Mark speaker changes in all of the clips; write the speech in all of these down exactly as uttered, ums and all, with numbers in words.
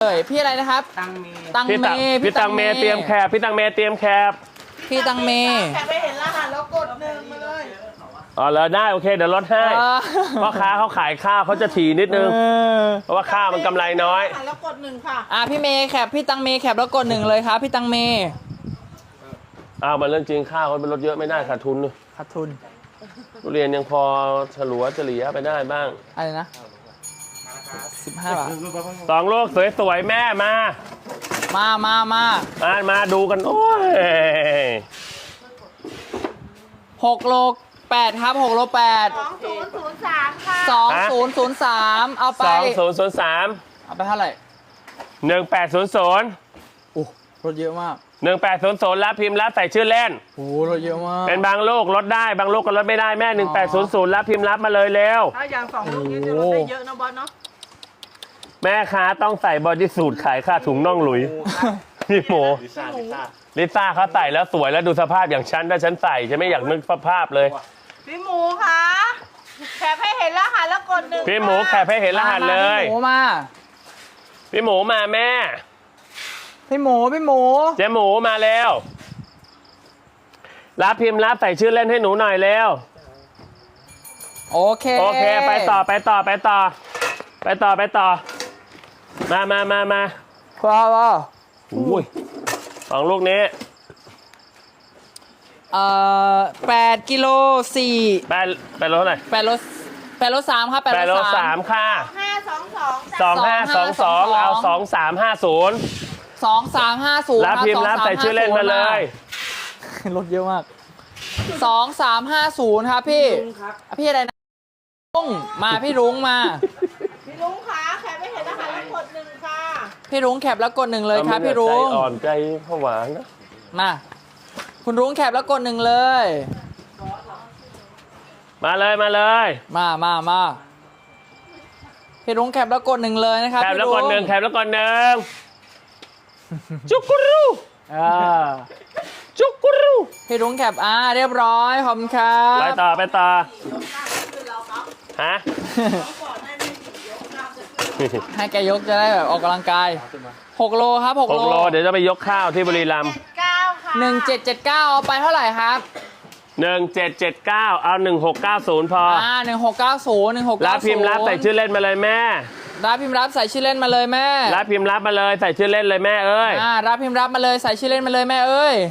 Speaker 1: เอ้ยพี่อะไรนะครับ
Speaker 2: ตังเม
Speaker 1: ตังเม
Speaker 3: พี่ตังเมเตรียมแคบพี่ตังเมเตรียมแคบ
Speaker 1: พี่ตังเม
Speaker 4: แค่ไปเห็นรหัสแล้วกดหนึ่งมาเลย
Speaker 3: อ๋อแล้วได้โอเคเดี๋ยวลดให้เพราะค้าเขาขายข้าวเขาจะถี่นิดนึงเพราะว่าข้าวมันกำไรน้อย
Speaker 4: แล้วกดหนึ่งค่ะ
Speaker 1: อ่ะพี่เมย์แคปพี่ตังเมแคปแล้วกดหนึ่งเลยครับพี่ตังเม
Speaker 3: อ้าวมันเรื่องจริงข้าวเขาเป็นลดเยอะไม่ได้ขาดทุน
Speaker 1: ขาดทุน
Speaker 3: ทุเรียนยังพอฉลัวเฉลี่ยไปได้บ้าง
Speaker 1: อะไรนะสิบห้าบาท
Speaker 3: สองลูกสวยๆแม่มา
Speaker 1: มามามา
Speaker 3: มามาดูกันโอ้ย
Speaker 1: หกโลแปดครับหกโลแปด
Speaker 4: สองศูนย์ศูนย์สามค่ะ
Speaker 1: สองศูนย์ศูนย์สามเอาไป
Speaker 3: สองศูนย์ศูนย์สาม
Speaker 1: เอาไปเท่าไหร่
Speaker 3: หนึ่งแปดศูนย์ศูนย์
Speaker 1: โอ้รถเยอะมาก
Speaker 3: หนึ่งแปดศูนย์ศูนย์รับพิมพ์รับใส่ชื่อเล่น
Speaker 1: โอ้รถเยอะมาก
Speaker 3: เป็นบางลูกลดได้บางลูกก็ลดไม่ได้แม่หนึ่งแปดศูนย์ศูนย์รับพิมพ์รับมาเลยเร็ว
Speaker 4: ถ้าอย่างสองลูกนี้จะลดได้เยอะนะบอสเนาะ
Speaker 3: แม่ค้าต้องใส่บอดี้สูทขายค่าถุงน่องหลุยพี่หมูลิซ่าลิซ่าเขาใส่แล้วสวยแล้วดูสภาพอย่างฉันถ้าฉันใส่จะไม่อยากนึกสภาพเลย
Speaker 4: พี่หมูคะแคปให้เห็นรหัสแล้วกดหนึ่ง
Speaker 3: พี่หมูแคปให้เห็นรหัสเลย
Speaker 1: พี่หมูมา
Speaker 3: พี่หมูมาแม่
Speaker 1: พี่หมูพี่หมู
Speaker 3: เจ๊หมูมาแล้วรับพิมพ์รับใส่ชื่อเล่นให้หนูหน่อยเร็ว
Speaker 1: โอเค
Speaker 3: โอเคไปต่อไปต่อไปต่อไปต่อไปต่อมามามามา
Speaker 1: ว้าวว้าว
Speaker 3: อุ้ยสองลูกนี้
Speaker 1: เอ่อแปดกิโลสี่
Speaker 3: แปดแปดโลเท่าไหร่
Speaker 1: แปดโลแปดโลสามครับ
Speaker 3: แปดโลสามค่ะ
Speaker 4: ห้าสองสอง
Speaker 3: สองห้าสองสองเอาสองสามห้าศูนย์
Speaker 1: สองสามห้าศูนย์
Speaker 3: รับพิมพ์รับใส่ชื่อเล่นมาเลย
Speaker 1: รถเยอะมากสองสามห้าศูนย์ครับพี่พี่อะไรนะรุ้งมาพี่รุ้งมา
Speaker 4: พี่รุ้งคะแคปให้เห็นรหัสแล้วกดหนึ่งค่ะ
Speaker 1: พี่รุ้งแคปแล้วกดหนึ่งเลยครับพี่รุ้ง
Speaker 3: ใจอ่อนใจผวานะ
Speaker 1: มาคุณรุ้งแคปแล้วกดหนึ่งเลย
Speaker 3: มาเลยมาเลย
Speaker 1: มามามาพี่รุ้งแคปแล้วกดหนึ่งเลยนะครับ
Speaker 3: แคปแล้วกดหนึ่งแคปแล้วกดหนึ่งจุกรู
Speaker 1: อ่า
Speaker 3: จุกรู
Speaker 1: พี่รุ้งแคปอ่าเรียบร้อยขอบคุณครับ
Speaker 3: ไปต่อไปต่อฮะ
Speaker 1: ให้แกยกจะได้แบบออกกำลังกายหกโลครับหกโล
Speaker 3: หกโลเดี๋ยวจะไปยกข้าวที่บุรีรัมย์
Speaker 1: หนึ่งเจ็ดเจ็ดเก้าเอาไปเท่าไหร่ครับ
Speaker 3: หนึ่งเจ็ดเจ็ดเก้าเอาหนึ่งหกเก้าศูนย์พอ
Speaker 1: อ่าหนึ่งหกเก้าศูนย์หนึ่งหกเก้าศูนย์
Speaker 3: รับพิมพ์รับใส่ชื่อเล่นมาเลยแม่
Speaker 1: รับพิมพ์รับใส่ชื่อเล่นมาเลยแม่
Speaker 3: รับพิมพ์รับมาเลยใส่ชื่อเล่นเลยแม่เอ้ย
Speaker 1: อ่ารับพิมพ์รับมาเลยใส่ชื่อเล่นมาเลยแม่เอ้ย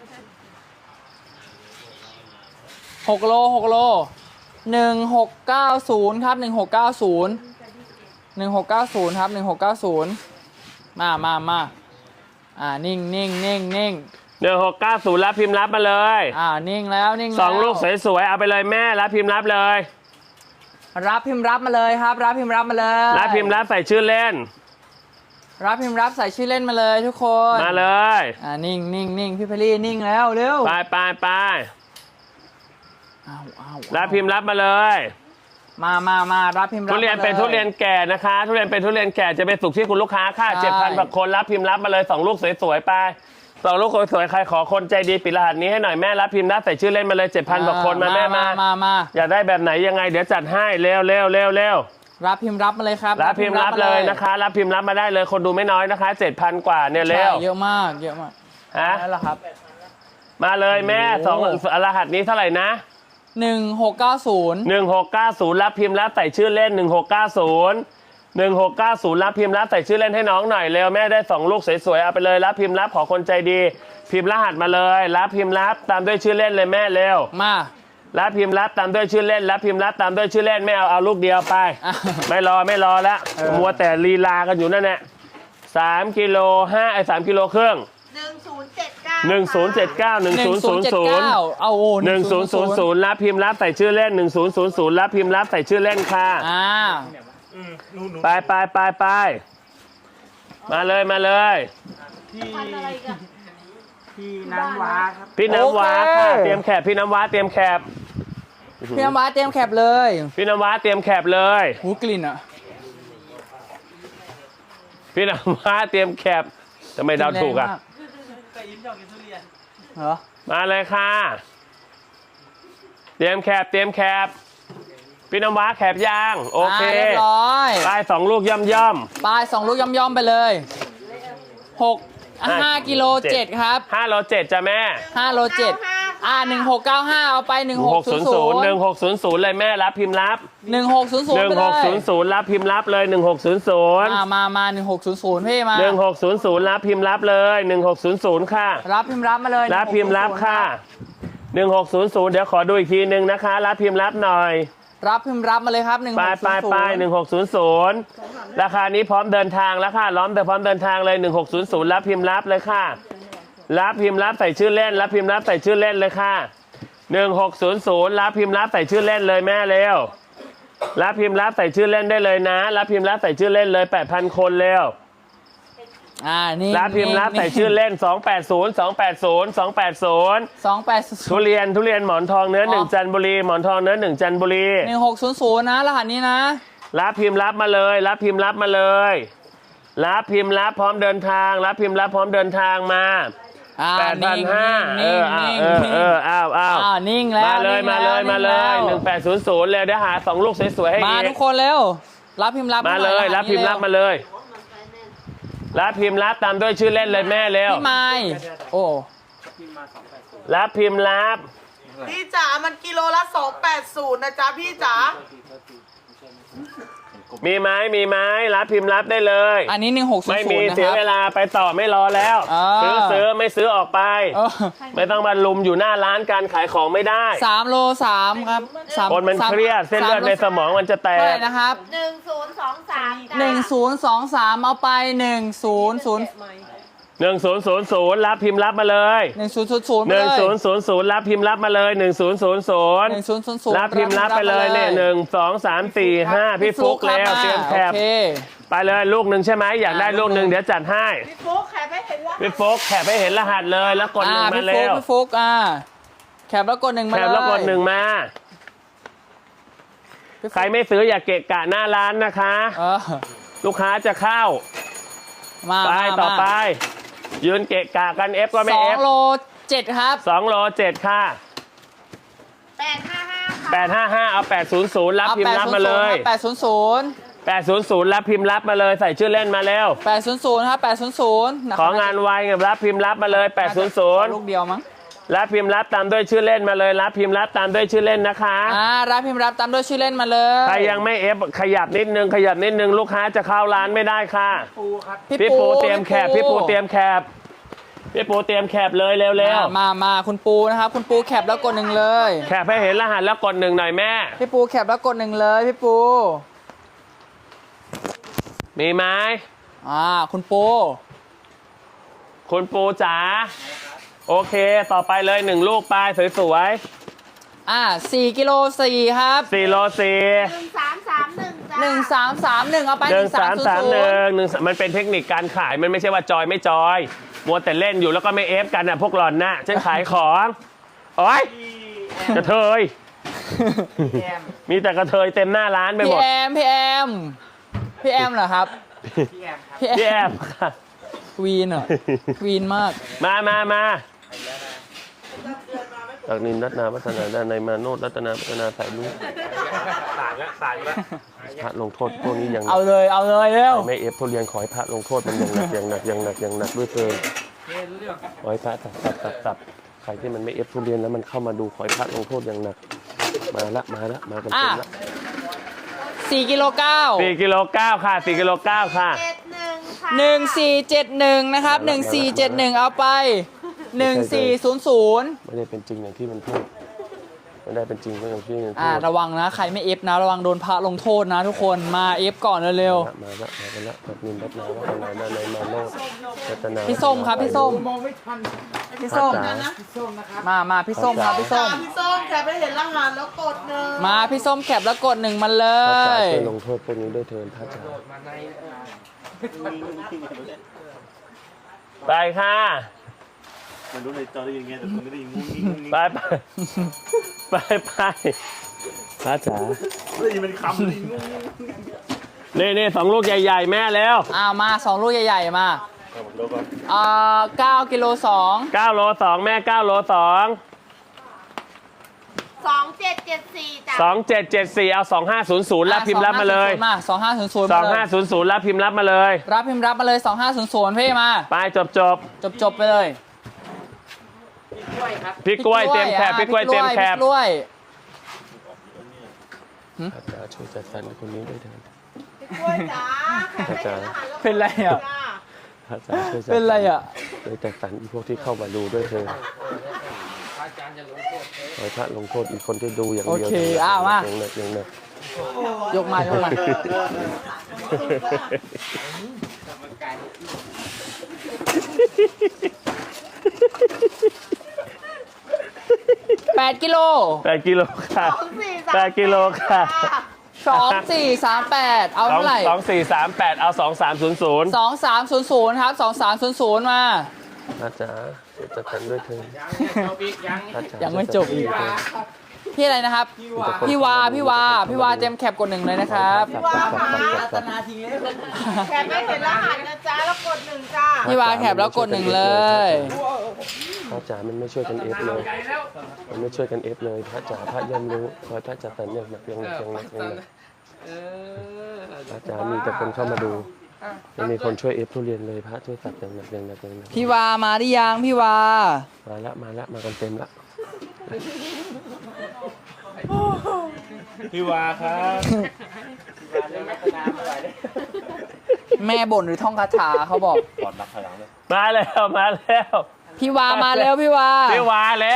Speaker 1: หกโลหกโลหนึ่งหกเก้าศูนย์ครับหนึ่งหกเก้าศูนย์หนึ่งหกเก้าศูนย์ครับหนึ่งหกเก้าศูนย์มามามาอ่านิ่งนิ่งนิ่งนิ่ง
Speaker 3: หนึ่งหกเก้าศูนย์รับพิมพ์รับมาเลย
Speaker 1: อ่านิ่งแล้วนิ่งแล้ว
Speaker 3: สองลูกสวยๆเอาไปเลยแม่รับพิมพ์รับเลย
Speaker 1: รับพิมพ์รับมาเลยครับรับพิมพ์รับมาเลย
Speaker 3: รับพิมพ์รับใส่ชื่อเล่น
Speaker 1: รับพิมพ์รับใส่ชื่อเล่นมาเลยทุกคน
Speaker 3: มาเลย
Speaker 1: อ่านิ่งนิ่งนิ่งพี่เพลี่นิ่งแล้วเร็ว
Speaker 3: ไปไปไป
Speaker 1: อ้าวอ้าว
Speaker 3: รับพิมพ์รับมาเลย
Speaker 1: มามามารับพิมพ์รับ
Speaker 3: ทุเรียนเป็นทุเรียนแก่นะคะทุเรียนเป็นทุเรียนแก่จะเป็นสุกที่คุณลูกค้าค่าเจ็ดพันบาทคนรับพิมพ์รับมาเลยสองลูกสวยๆไปสองลูกสวยๆใครขอคนใจดีปิดรหัสนี้ให้หน่อยแม่รับพิมพ์รับใส่ชื่อเล่นมาเลยเจ็ดพันบาทคนมาแม่มา
Speaker 1: มามา
Speaker 3: อยากได้แบบไหนยังไงเดี๋ยวจัดให้เร็วเร็วเร็วเร็ว
Speaker 1: รับพิมพ์รับมาเลยครับ
Speaker 3: รับพิมพ์รับเลยนะคะรับพิมพ์รับมาได้เลยคนดูไม่น้อยนะคะเจ็ดพันกว่าเนี่ยเร็ว
Speaker 1: เยอะมากเยอะมาก
Speaker 3: ฮะ
Speaker 1: นั่นแหละครับ
Speaker 3: มาเลยแม่สองรหัสนี้เท่าไหร่นะ
Speaker 1: หนึ่งหกเก้าศูนย์
Speaker 3: หนึ่งหกเก้าศูนย์รับพิมพ์รับใส่ชื่อเล่นหนึ่งหกเก้าศูนย์หนึ่งหกเก้าศูนย์รับพิมพ์รับใส่ชื่อเล่นให้น้องหน่อยเร็วแม่ได้สองลูกสวยๆเอาไปเลยรับพิมพ์รับขอคนใจดีพิมพ์รหัสมาเลยรับพิมพ์รับตามด้วยชื่อเล่นเลยแม่เร็ว
Speaker 1: มา
Speaker 3: รับพิมพ์รับตามด้วยชื่อเล่นรับพิมพ์รับตามด้วยชื่อเล่นไม่เอาเอาลูกเดียวไปไม่รอไม่รอแล้วมัวแต่ลีลากันอยู่นั่นแหละสามกิโลห้าไอ้สามกิโลครึ่ง
Speaker 4: หนึ่งศูนย์เจ็ดเก้า
Speaker 3: หนึ่งศูนย์เจ็ดเก้าหนึ่งศูนย์ศูนย์ศูนย์
Speaker 1: เอาโอ้
Speaker 3: หนึ่งศูนย์ศูนย์ศูนย์รับพิมพ์รับใส่ชื่อเล่นหนึ่งศูนย์ศูนย์ศูนย์รับพิมพ์รับใส่ชื่อเล่นค่ะ
Speaker 1: อ่า
Speaker 3: ไปไปไปไปมาเลยมาเลย
Speaker 2: พี่พี่น้ำว้าครับ
Speaker 3: พี่น้ำว้าค่ะเตรียมแคบพี่น้ำว้าเตรียมแคบ
Speaker 1: พี่น้ำว้าเตรียมแคบเลย
Speaker 3: พี่น้ำว้าเตรียมแคบเลย
Speaker 1: หูกลิ่นอ่ะ
Speaker 3: พี่น้ำว้าเตรียมแคบทำไมเดาถูกอ่ะ
Speaker 1: เหรอ
Speaker 3: มาเลยค่ะเตรียมแคบเตรียมแคบพี่น้ำว้าแคบยางโอเค
Speaker 1: าเรียบร้อย
Speaker 3: ไปสองลูกย่อมย่อม
Speaker 1: ปลายสองลูกย่อมๆไปเลยหก
Speaker 3: อ่ะ
Speaker 1: ห้ากิโลเจ็ดครับ
Speaker 3: ห้าโลเจ็ดจ้ะแม่
Speaker 1: ห้าโลเจ็ดอ่าหนึ่งหกเก้าห้าเอาไปหนึ่งหกศูนย์ศูนย์
Speaker 3: หนึ่งหกศูนย์ศูนย์เลยแม่รับพิมพ์รับ
Speaker 1: หนึ่งหกศูนย์ศูน
Speaker 3: ห
Speaker 1: ย์
Speaker 3: นึ่ง
Speaker 1: ไปเล
Speaker 3: หกศู
Speaker 1: ย
Speaker 3: นย์ศูนย์รับพิมพ์รับเลยหนึ่งหกศูนย์ศูนย์
Speaker 1: มามามาหนึ่งหกศูนย์ศูนย์พี่มา
Speaker 3: หนึ่งหกศูนย์ศูนย์รับพิมพ์รับเลยหนึ่งหกศูนย์ศูนย์ค่ะ
Speaker 1: รับพิมพ์รับมาเลย
Speaker 3: รับพิมพ์รับค่ะหนึ่งหกศูนย์ศูนย์เดี๋ยวขอดูอีกทีหนึ่งนะคะ รับพิมพ์รับหน่อย
Speaker 1: รับพิมพ์รับมาเลยครับหนึ่งห
Speaker 3: ไป
Speaker 1: ก
Speaker 3: ไป
Speaker 1: ศูนย์ศู
Speaker 3: ไป
Speaker 1: นย์
Speaker 3: หนึ่งหกศูนย์ศูนย์ราคานี้พร้อมเดินทางแล้วค่ะล้อมแต่พร้อมเดินทางเลยหนึ่งหกศูนย์ศูนย์รับพิมพ์รับเลยค่ะรับพิมพ์รับใส่ชื่อเล่นรับพิมพ์รับใส่ชื่อเล่นเลยค่ะหนึ่งหกศูนย์ศูนย์รับพิมพ์รับใส่ชื่อเล่นเลยแม่เร็วรับพิมพ์รับใส่ชื่อเล่นได้เลยนะรับพิมพ์รับใส่ชื่อเล่นเลย แปดพัน คนเร็ว
Speaker 1: อ่านี่
Speaker 3: รับพิมพ์รับใส่ชื่อเล่นสองแปดศูนย์ สองแปดศูนย์ สองแปดศูนย์
Speaker 1: สองแปดศู
Speaker 3: ทุ
Speaker 1: นย์
Speaker 3: เรียนทุเรียนหมอนทองเนื้อหนึ่งจันทบุรีหมอนทองเนื้อหนึ่งจันทบุรี
Speaker 1: หนึ่งหกศูนย์ศูนย์นะรหัสนี้นะ
Speaker 3: รับพิมพ์รับมาเลย รับพิมพ์รับมาเลย รับพิมพ์รับพร้อมเดินทาง รับพิมพ์รับพร้อมเดินทางมา
Speaker 1: อ่า
Speaker 3: แปดพัน
Speaker 1: นิ่ง
Speaker 3: ห้าเอ
Speaker 1: นิ่ง
Speaker 3: อ
Speaker 1: นิ่ง
Speaker 3: เออ
Speaker 1: นิ่ง
Speaker 3: เอออ้าวอ้าว
Speaker 1: อ่านิ่งแล้ว
Speaker 3: มาเลย
Speaker 1: นิ่ง
Speaker 3: มาเลย
Speaker 1: แว
Speaker 3: มาเลย
Speaker 1: นิ่ง
Speaker 3: ห
Speaker 1: แว
Speaker 3: นึ่งแปดศูนย์ศูนย์เลยเดี๋ยวหาสองลูกสวยๆให้
Speaker 1: มา
Speaker 3: อี
Speaker 1: ทุ
Speaker 3: ก
Speaker 1: กคนเร็วรับพิมพ์รับ
Speaker 3: มาเลย
Speaker 1: หน่อ
Speaker 3: รับพิมพ์รับมา
Speaker 1: เร็ว
Speaker 3: เลย รับพิมพ์รับตามด้วยชื่อเล่นเลยแม่เร็ว
Speaker 1: พี่ไม้โอ้
Speaker 3: รับพิมพ์รับ
Speaker 4: พี่จ๋ามันกิโลละสองแปดศูนย์นะจ๊ะพี่จ๋า
Speaker 3: มีไหมมีไหมรับพิมพ์รับได้เลย
Speaker 1: อันนี้หนึ่งหกศูน
Speaker 3: ไม่
Speaker 1: ย์ศู
Speaker 3: มี
Speaker 1: นย์นะ
Speaker 3: เสี
Speaker 1: ค
Speaker 3: ย
Speaker 1: รับ
Speaker 3: เวลาไปต่อไม่รอแล้ว
Speaker 1: อ่า
Speaker 3: ซื้อซื้อไม่ซื้อออกไป
Speaker 1: เออ
Speaker 3: ไม่ต้องมาลุมอยู่หน้าร้านการขายของไม่ได้
Speaker 1: สามโลสามครับสาม
Speaker 3: คนมัน
Speaker 1: สา
Speaker 3: เครียดเส้นเลือดในสมองมันจะแต
Speaker 1: เท่าไห
Speaker 3: ก
Speaker 1: ร่นะครับ
Speaker 4: หนึ่งศูนย์สองสาม
Speaker 1: หนึ่งศูนย์สองสามเอาไปหนึ่งศูนย์ศูนย์
Speaker 3: หนึ่งศูนย์ศูนย์ศูนย์รับพิมพ์รับมาเลย
Speaker 1: หนึ่งศูนย์ศูนย์ศูนย์
Speaker 3: หนึ่งศูนย์ศูนย์ศูนย์รับพิมพ์รับมาเลยหนึ่งศูนย์ศูนย์ศูนย์
Speaker 1: หนึ่งศูนย์ศูนย์ศูนย์
Speaker 3: รับพิมพ์รับไปเลยเนี่ยหนึ่งสองสามสี่ห้าพี่ฟุกแล้วเตรียมแคบ
Speaker 1: โอเค
Speaker 3: ไปเลยลูกหนึ่งใช่ไหมอยากได้
Speaker 1: อ่า
Speaker 3: ลูกหนึ่งเดี๋ยวจัดให้
Speaker 4: พี่ฟุ๊กแคปให้เห็นแล้ว
Speaker 3: พี่ฟุกแคบให้เห็นรหัสเลยแล้วกดหนึ่ง
Speaker 1: อ่า
Speaker 3: มา
Speaker 1: พี่
Speaker 3: เร็
Speaker 1: ฟุก
Speaker 3: ว
Speaker 1: พี่ฟุกอ่าแคปแล้วกดหนึ่งมา
Speaker 3: แค
Speaker 1: เลย
Speaker 3: บแล้วกดหนึ่งมาใครไม่ซื้ออย่าเกะกะหน้าร้านนะคะ
Speaker 1: เออ
Speaker 3: ลูกค้าจะเข้า
Speaker 1: มา
Speaker 3: ไป
Speaker 1: มา
Speaker 3: ต่อไป
Speaker 1: มา
Speaker 3: ยืนเกะกะกันเอฟก็ไม่
Speaker 1: สอ
Speaker 3: เอง ฟ
Speaker 1: โลเจ็ดครับ
Speaker 3: สองโลเจ็ดค่ะ
Speaker 4: แปดห้าห้าค่ะ
Speaker 3: แปดห้าห้าเอาแปดศูนย์ศูนย์รับ
Speaker 1: เอา
Speaker 3: พิมพ์รับมาเลย
Speaker 1: แปดศูนย์ศูนย์
Speaker 3: แปดศูนย์ศูนย์รับพิมพ์รับมาเลยใส่ชื่อเล่นมาแล้ว
Speaker 1: แปดศูนย์ศูนย์ครับแปดศูนย์ศูนย์
Speaker 3: ของานไวกับรับพิมพ์รับมาเลยแปดศูนย์ศูนย์
Speaker 1: ลูกเดียวมั้ง
Speaker 3: รับพิมพ์รับตามด้วยชื่อเล่นมาเลยรับพิมพ์รับตามด้วยชื่อเล่นนะคะ
Speaker 1: อ่ารับพิมพ์รับตามด้วยชื่อเล่นมาเลย
Speaker 3: ใครยังไม่เอฟขยับนิดนึงขยับนิดนึงลูกค้าจะเข้าร้านไม่ได้ค่ะ พี่ปูเตรียมแคบพี่ปูเตรียมแคบพี่ปูเตรียมแคบเลยเร็ว
Speaker 1: มามามาคุณปูนะครับคุณปูแคปแล้วกดหนึ่งเลย
Speaker 3: ๆแคบให้เห็นรหัสแล้วกดหนึ่งหน่อยแม่
Speaker 1: พี่ปูแคปแล้วกดหนึ่งเลยพี่ปู
Speaker 3: มีไหม
Speaker 1: อ่าคุณปู
Speaker 3: คุณปูจ๋าโอเคต่อไปเลยหนึ่งลูกไปสวย
Speaker 1: อ่าสี่กิโลสี่ครับ
Speaker 3: ๆสี่โลสี่
Speaker 4: หนึ่งสามสามหนึ่งจ้า
Speaker 1: หนึ่งสามสามหนึ่งเอาไป
Speaker 3: หนึ่งสามสามหนึ่ง
Speaker 1: ย์
Speaker 3: หนึ่งมันเป็นเทคนิคการขายมันไม่ใช่ว่าจอยไม่จอยมัวแต่เล่นอยู่แล้วก็ไม่เอฟกันน่ะพวกหล่อนน่ะฉันขายของโอ้ยกระเทยมีแต่กระเทยเต็มหน้าร้านไปหม
Speaker 1: พี่
Speaker 3: ด
Speaker 1: แอมพี่แอมพี่แอมเหรอครับพี่แอม
Speaker 3: พี่แอมค่ะ
Speaker 1: ควีนเหรอควีนมาก
Speaker 3: มามามาจากนินรัตนาพัฒนาด้านในมาโนดรัตนาพัฒนาสายลุงสายละสายละพระลงโทษพวกนี้อย่างหนั
Speaker 1: เอา
Speaker 3: ก
Speaker 1: เลยเอาเลยเร็ว
Speaker 3: ไม่เอฟทุเรียนขอให้พระลงโทษมันอย่างหนักอย่างหนักอย่างหนักอย่างหนักด้วยเถิดขอให้พระตับตับตับตับใครที่มันไม่เอฟทุเรียนแล้วมันเข้ามาดูขอให้พระลงโทษอย่างหนักมาละมาละมากันเต็มละ
Speaker 1: สี่กิโลเก้า
Speaker 3: สี่กิโลเก้าค่ะสี่กิโลเก้าค่ะ
Speaker 4: เจ็ดหนึ่งค่ะ
Speaker 1: หนึ่งสี่เจ็ดหนึ่งนะครับหนึ่งสี่เจ็ดหนึ่งเอาไปหนึ่งสี่ศูนย์ศูนย์
Speaker 3: ไม่ได้เป็นจริงอย่างที่มันพูดไม่ได้เป็นจริงอย่างที่มันพู
Speaker 1: อ่า
Speaker 3: ด
Speaker 1: ระวังนะใครไม่เอฟนะระวังโดนพระลงโทษนะทุกคนมาเอฟก่อนเร็ว
Speaker 3: มาละมาละจากนินรัตนาพัฒนาด้านในมาโนดรัตนา
Speaker 1: ๆพี่ส้มครับพี่ส้ม
Speaker 2: มองไม่ทัน
Speaker 1: พี่ส้ม
Speaker 3: จ๋า
Speaker 2: ส้มนะครับ
Speaker 1: มามาพี่ส้มครับพี่ส้ม
Speaker 4: พี่ส้มแคปให้เห็นรหัสแล้วกดหนึ่ง
Speaker 1: มาพี่ส้มแคปแล้วกดหนึ่งมาเล
Speaker 3: พระจ๋าย ช่วยลงโทษพวกนี้ด้วยเถิดพระจ๋าไปค่ะ
Speaker 5: มันรู้ในจอได้ยินไงแต่ผมไม่ได้ยินงุ้งงิ้งงุ้งงิ้ง
Speaker 3: ไปไปไปไปพระจ๋า
Speaker 5: ไม่ได้ยินเป็นคำเลยงุ้งงิ้ง
Speaker 3: นี่นี่สองลูกใหญ่ๆแม่แล้ว
Speaker 1: อ้าวมาสองลูกใหญ่ๆมา
Speaker 5: เอาผมดูก่อน
Speaker 1: อ่าเก้ากิโลสอง
Speaker 3: เก้าโลสองแม่เก้าโลสอง
Speaker 4: สสองเจ็ดเจ็ดสี่จ้ะ
Speaker 3: สองเจ็ดเจ็ดสี่เอาสองห้าศูนย์ศูนย์รับพิมพ์รับมาเลย
Speaker 1: มาสองห้าศูนย์ศูนย์
Speaker 3: ส
Speaker 1: มา
Speaker 3: อง
Speaker 1: เล
Speaker 3: ห้าย ศูนย์ศูนย์รับพิมพ์รับมาเลย
Speaker 1: รับพิมพ์รับมาเลยสองห้าศูนย์ศูนย์พี่มา
Speaker 3: ไปจบจบ
Speaker 1: จบจบไปเลย
Speaker 3: พี่กล้วยเตรียมแคบพี่กล้วยเตรียมแคบ
Speaker 1: พี่กล้วย
Speaker 3: อาจารย์ช่วยจัดสรรคนนี้ด้วยเถิด
Speaker 4: พี่กล้วยจ๋าแขกให้เห็นรหัสแล้วกด
Speaker 1: เป็นไรอ่ะ
Speaker 4: จ้า
Speaker 3: อาจารย์ช่วยจัด
Speaker 1: เป็นไรอ่ะ
Speaker 3: ช่วยจัดสรรอีพวกที่เข้ามาดูด้วยเถิดขอให้พระลงโทษอีกคนที่ดูอย่าง
Speaker 1: โอ
Speaker 3: เดียว
Speaker 1: เคอ้าวมา
Speaker 3: อย่างหนักอย่างหนัก
Speaker 1: ยกมายกมาแปดกิโล
Speaker 3: แปดกิโลค่ะ
Speaker 4: สองสี่สาม
Speaker 3: แปดกิโลค่ะ
Speaker 1: สองสี่สามแปดเอา
Speaker 3: สอง
Speaker 1: เท่าไหร่
Speaker 3: สองสี่สามแปดเอาสองสามศูนย์ศูนย์
Speaker 1: สองสามศูนย์ศูนย์ครับสองสามศูนย์ศูนย์มา
Speaker 3: อาจารย์ช่วยจัดสรรด้วยเถิดอาจาร
Speaker 1: ยังไม่จบอีก
Speaker 3: ช่วยจัดสรรด้วยเถิด
Speaker 1: พี่อะไรนะครับ พี่วา พี่วา พี่วาเต็มแคปกดหนึ่งเลยนะครับ
Speaker 4: พี่วาค่ะแขกให้เห็นรหัสนะจ๊ะแล้วกดหนึ่งจ้า
Speaker 1: พี่วาแคปแล้วกดหนึ่งเลย
Speaker 3: พระจ๋ามันไม่ช่วยกันเอฟเลย มันไม่ช่วยกันเอฟเลย พระจ๋าพระย่อมรู้คอยพระจัดสรรอย่างหนักอย่างหนักอย่างหนักอย่างหนักพระจ๋ามีแต่คนเข้ามาดูไม่มีคนช่วยเอฟทุเรียนเลย พระช่วยตัดอย่างหนักอย่างหนักอย่างหนัก
Speaker 1: พี่วามาหรือยังพี่วา
Speaker 3: มาละมาละมากันเต็มละ
Speaker 5: พี่วาครับ
Speaker 1: แม่บ่นหรือท่องคาถาเขาบอก
Speaker 5: กอดนักถอยหลังเลย
Speaker 3: มาแล้วมาแล้ว
Speaker 1: พี่วามาแล้วพี่วา
Speaker 3: พี่วาแล้ว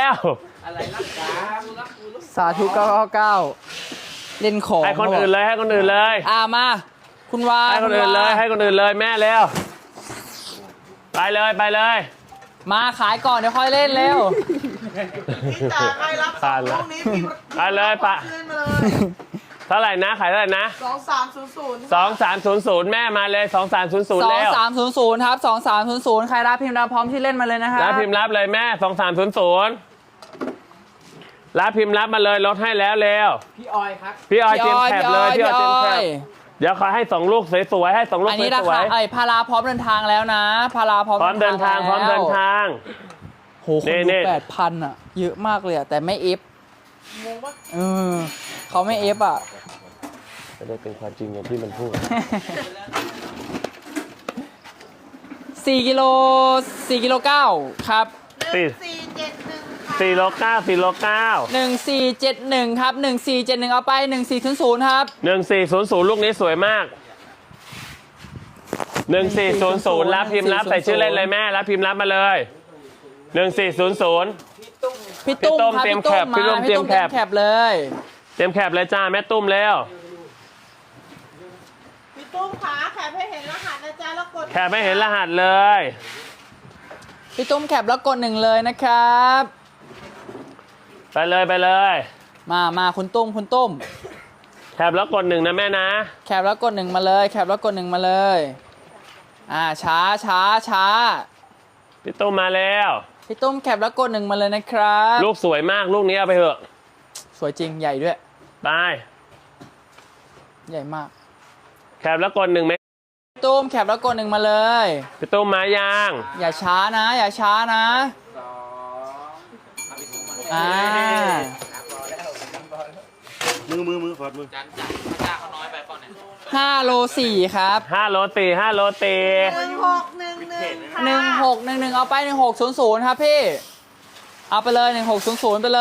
Speaker 1: สาธุเก้าเก้าเก้าเล่นของ
Speaker 3: ให้คนอื่นเลยให้คนอื่นเลย
Speaker 1: อ่ามา คุณวา
Speaker 3: ให้คนอื่นเลยให้คนอื่นเลยแม่แล้วไปเลยไปเลย
Speaker 1: มาขายก่อนเดี๋ยวค่อยเล่นเร็ว
Speaker 4: พี่จ๋าใครรับสองลูกนี้พี่
Speaker 3: ไปเลยปะ
Speaker 4: ขึ้นมาเลย
Speaker 3: เท่าไหร่นะขายเท่าไหร่นะ
Speaker 4: สองสามศูนย์ศูนย์
Speaker 3: สองสามศูนย์ศูนย์แม่มาเลยสองสามศูนย์ศูนย์
Speaker 1: สอง
Speaker 3: แล้ว
Speaker 1: สามศูนย์ศูนย์ครับสองสามศูนย์ศูนย์ใครรับพิมพ์รับพร้อมที่เล่นมาเลยนะครับ
Speaker 3: รับพิมพ์รับเลยแม่สองสามศูนย์ศูนย์รับพิมพ์รับมาเลยลดให้แล้วเร็วพี่ออยครับพี่ออยเตรียมแคปเลยพี่ออยเตรียมแคปเดี๋ยวขอให้สองลูกสวยๆให้สองลูก
Speaker 1: อัน
Speaker 3: ส
Speaker 1: นี้รา
Speaker 3: วย
Speaker 1: คาไอ้พาราพร้อมเดินทางแล้วนะพาราพร้อม
Speaker 3: ๆพร้อมเดินทางพร้อมเดินทาง
Speaker 1: โหคน
Speaker 3: นี่
Speaker 1: ดู
Speaker 3: ๆ
Speaker 1: แปดพันอ่ะ เยอะมากเลยอ่ะ แต่ไม่เอฟเออเขาไม่เอฟอ่ะ
Speaker 3: จะได้เป็นความจริงอย่างที่มันพูด
Speaker 1: สี่กิโลสี่กิโลเก้าครับ
Speaker 4: หนึ่งสี่เจ็ดหนึ่งค่ะ
Speaker 3: สี่โลเก้าสี่โลเก้า
Speaker 1: หนึ่งสี่เจ็ดหนึ่งครับหนึ่งสี่เจ็ดหนึ่งเอาไปหนึ่งสี่ศูนย์ศูนย์ครับ
Speaker 3: หนึ่งสี่ศูนย์ศูนย์ลูกนี้สวยมากหนึ่งสี่ศูนย์ศูนย์รับพิมพ์รับใส่ชื่อเล่นเลยแม่รับพิมพ์รับมาเลยหนึ่งสี่ศูนย์ศูนย์
Speaker 1: พี่ตุ้ม
Speaker 3: พี่ตุ้ม
Speaker 1: ครับ
Speaker 3: เตรียม
Speaker 1: พี่ตุ้
Speaker 3: แคปพี่ตุ้ม
Speaker 1: มา
Speaker 3: เตรียมแคป
Speaker 1: แคปเลย
Speaker 3: เตรียมแคปเลยจ้าแม่ตุ้มแล้ว
Speaker 4: พี่ตุ้มขาแขกให้เห็นรหัสนะจ๊ะแล้วกด
Speaker 3: แคปไม่เห็นรหัสเลย
Speaker 1: พี่ตุ้มแคปแล้วกดหนึ่งเลยนะครับ
Speaker 3: ไปเลยไปเลย
Speaker 1: มามาคุณตุ้มคุณตุ้ม
Speaker 3: แคปแล้วกดหนึ่งนะแม่นะ
Speaker 1: แคปแล้วกดหนึ่งมาเลยแคปแล้วกดหนึ่งมาเลยอ่าช้าช้าช้า
Speaker 3: พี่ตุ้มมาแล้ว
Speaker 1: พี่ตุ้มแคปแล้วกดหนึ่งมาเลยนะครับ
Speaker 3: ลูกสวยมากลูกนี้เอาไปเถอะ
Speaker 1: สวยจริงใหญ่ด้วย
Speaker 3: ไป
Speaker 1: ใหญ่มาก
Speaker 3: แคปแล้วกดหนึ่งไหม
Speaker 1: พี่ตุ้มแคปแล้วกดหนึ่งมาเลย
Speaker 3: พี่ตุ้มมายัง
Speaker 1: อย่าช้านะ อย่าช้านะอ่า
Speaker 5: มือมือมือขอดมือ
Speaker 1: ห้าโลสี่ครับ
Speaker 3: ห้าโลตีห้าโลตี
Speaker 4: หนึ่งหกหนึ่งหนึ่งค่ะ
Speaker 1: หนึ่งหกหนึ่งหนึ่งเอาไปหนึ่งหกศูนย์ศูนย์ครับพี่ เอาไปเลยหนึ่งหกศูนย์ศูนย์ไปเลย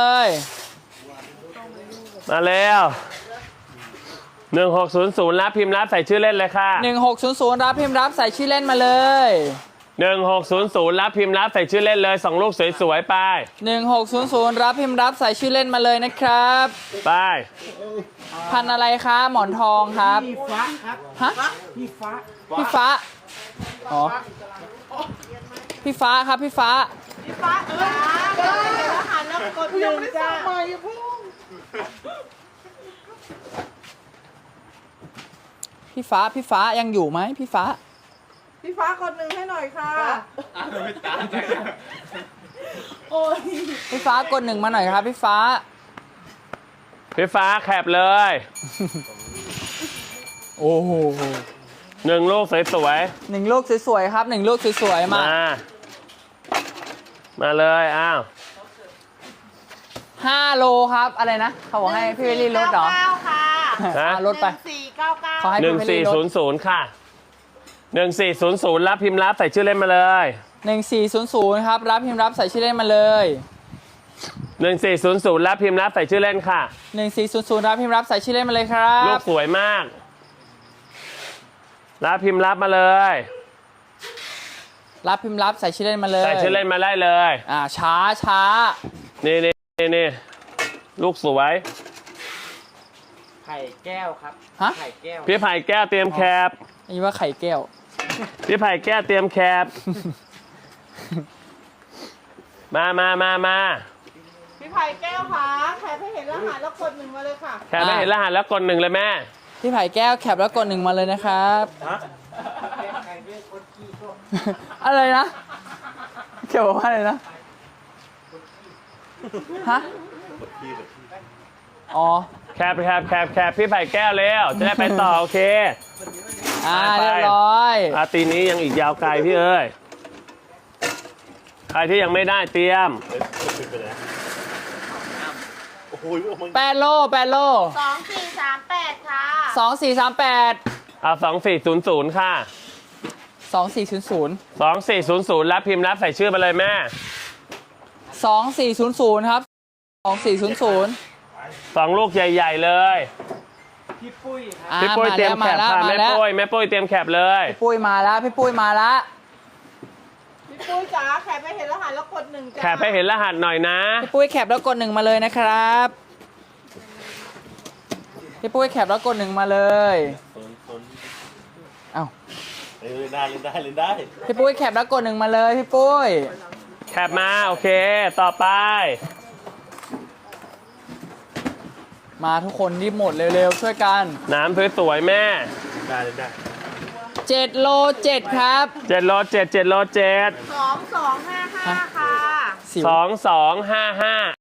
Speaker 3: มาแล้วหนึ่งหกศูนย์ศูนย์รับพิมพ์รับใส่ชื่อเล่นเลยค่ะ
Speaker 1: หนึ่งหกศูนย์ศูนย์รับพิมพ์รับใส่ชื่อเล่นมาเลย
Speaker 3: หนึ่งหกศูนย์ศูนย์รับพิมพ์รับใส่ชื่อเล่นเลยสองลูกสวยๆไป
Speaker 1: หนึ่งหกศูนย์ศูนย์รับพิมพ์รับใส่ชื่อเล่นมาเลยนะครับ
Speaker 3: ไป
Speaker 1: พันธุ์อะไรคะหมอนทองครับ
Speaker 2: พี่ฟ้าครับ
Speaker 1: ฮะ
Speaker 2: พี่ฟ้า
Speaker 1: พี่ฟ้าอ๋อพี่ฟ้าครับพี่ฟ้า
Speaker 4: พี่ฟ้าจ๋าแขกให้เห็นรหัสแล้วกดหนึ่งจ้า
Speaker 1: พี่ฟ้าพี่ฟ้ายังอยู่ไหมพี่ฟ้า
Speaker 4: พี่ฟ้ากดหนึ่งให้หน่อยค่ะโอ้ย
Speaker 1: พี่ฟ้ากดหนึ่งมาหน่อยครับพี่ฟ้า
Speaker 3: พี่ฟ้าแคปเลย
Speaker 1: โอ้โห
Speaker 3: หนึ่งลูกสวย
Speaker 1: หนึ่งลูกสวยๆครับหนึ่งลูกสวย
Speaker 3: ๆ
Speaker 1: ๆมา
Speaker 3: มา มาเลยอ้าว
Speaker 1: ห้าโลครับอะไรนะเขาบอกให้พี่เวลลี่ลดเหรอ
Speaker 4: เก้าค่ะ
Speaker 1: อ่ะลดไป
Speaker 4: หนึ่งสี่เก้าเก้า
Speaker 1: ขอให้
Speaker 3: หนึ่งสี่ศูนย์ศูนย์ค่ะหนึ่งสี่ศูนย์ศูนย์รับพิมพ์รับใส่ชื่อเล่นมาเลย
Speaker 1: หนึ่งสี่ศูนย์ศูนย์ครับรับพิมพ์รับใส่ชื่อเล่นมาเลย
Speaker 3: หนึ่งสี่ศูนย์ศูนย์รับพิมพ์รับใส่ชื่อเล่นค่ะ
Speaker 1: หนึ่งสี่ศูนย์ศูนย์รับพิมพ์รับใส่ชื่อเล่นมาเลยครั
Speaker 3: ลู
Speaker 1: บ
Speaker 3: กสวยมาก รับพิมพ์รับมาเลย
Speaker 1: รับพิมพ์รับใส่ชื่อเล่นมาเลย
Speaker 3: ใส่ชื่อเล่นมาได้เลย
Speaker 1: อ่าช้าช้า
Speaker 3: นี่นี่นี่นี่ลูกสวย
Speaker 2: ไข่แก้วครับ
Speaker 1: ฮะ
Speaker 2: ไข่แก้ว
Speaker 3: พี่ไผ่แก้วเตรียมแคป
Speaker 1: นี่ว่าไข่แก้ว
Speaker 3: พี่ไผ่แก้วเตรียมแคป มามามามา
Speaker 4: พี่ไผ่แก้วค่ะแคปให้เห็นรหัสแล้วกดหนึ่งมาเลยค่ะ
Speaker 3: แคปไม่เห็นรหัสแล้วกดหนึ่งเลยแม่
Speaker 1: พี่ไผ่แก้วแคปแล้วกดหนึ่งมาเลยนะครับ
Speaker 5: ฮะ
Speaker 1: อะไรนะเกี่ยวกับว่าอะไรนะฮะ
Speaker 5: กดที่กดที่
Speaker 1: อ๋อ
Speaker 3: แคปแคปแคปแคปพี่ไผ่แก้วเร็วจะได้ไปต่อโอเค
Speaker 1: อ่า
Speaker 3: ไป
Speaker 1: เรียบร้อย
Speaker 3: อาตีนี้ยังอีกยาวไกลพี่เอ้ยใครที่ยังไม่ได้เตรียม
Speaker 5: เฮ้ยกดไปแล้วโอ้โหโอ้โห
Speaker 1: แปดโลแปดโล
Speaker 4: สองสี่สามแปดค่ะ
Speaker 1: สองสี่สามแปด
Speaker 3: เอาสองสี่ศูนย์ศูนย์ค่ะ
Speaker 1: สองสี่ศูนย์ศูนย์
Speaker 3: สองสี่ศูนย์ศูนย์รับพิมพ์รับใส่ชื่อมาเลยแม่
Speaker 1: สองสี่ศูนย์ศูนย์ครับสองสี่ศูนย์ศูนย์
Speaker 3: สองลูกใหญ่ ๆ เลย
Speaker 2: พี่ปุ้ยครับ
Speaker 1: อ่า
Speaker 3: พี่ปุ้ยเตรียมแคป
Speaker 1: แล้ว
Speaker 3: ค่ะ
Speaker 1: มา
Speaker 3: แม่
Speaker 1: แล้ว
Speaker 3: ปุ้ยแม่ปุ้ยเตรียมแคปเลย
Speaker 1: พี่ปุ้ยมาแล้วพี่ปุ้ยมาแล้ว
Speaker 4: พี่ปุ้ยจ๋าแคปให้เห็นรหัสแล้วกดหนึ่งจ้า
Speaker 3: แคปให้เห็นรหัสหน่อยนะ
Speaker 1: พี่ปุ้ยแคปแล้วกดหนึ่งมาเลยนะครับพี่ปุ้ยแคปแล้วกดหนึ่งมาเลย
Speaker 5: โซนโซน
Speaker 1: เอ้า
Speaker 5: เล่นได้เล่นได้เล่นได้
Speaker 1: พี่ปุ้ยแคปแล้วกดหนึ่งมาเลยพี่ปุ้ย
Speaker 3: แคปมาโอเค ต่อไป
Speaker 1: มาทุกคนรีบหมดเร็วๆช่วยกัน
Speaker 3: น้ำสวยๆแม่
Speaker 5: ได้เล่นได้
Speaker 1: เจ็ดโลเจ็ดครับ
Speaker 3: เจ็ดโลเจ็ดเจ็ดโลเจ็ด
Speaker 4: สองสองห้าห้าค่ะ
Speaker 1: สิว
Speaker 3: สองสองห้าห้า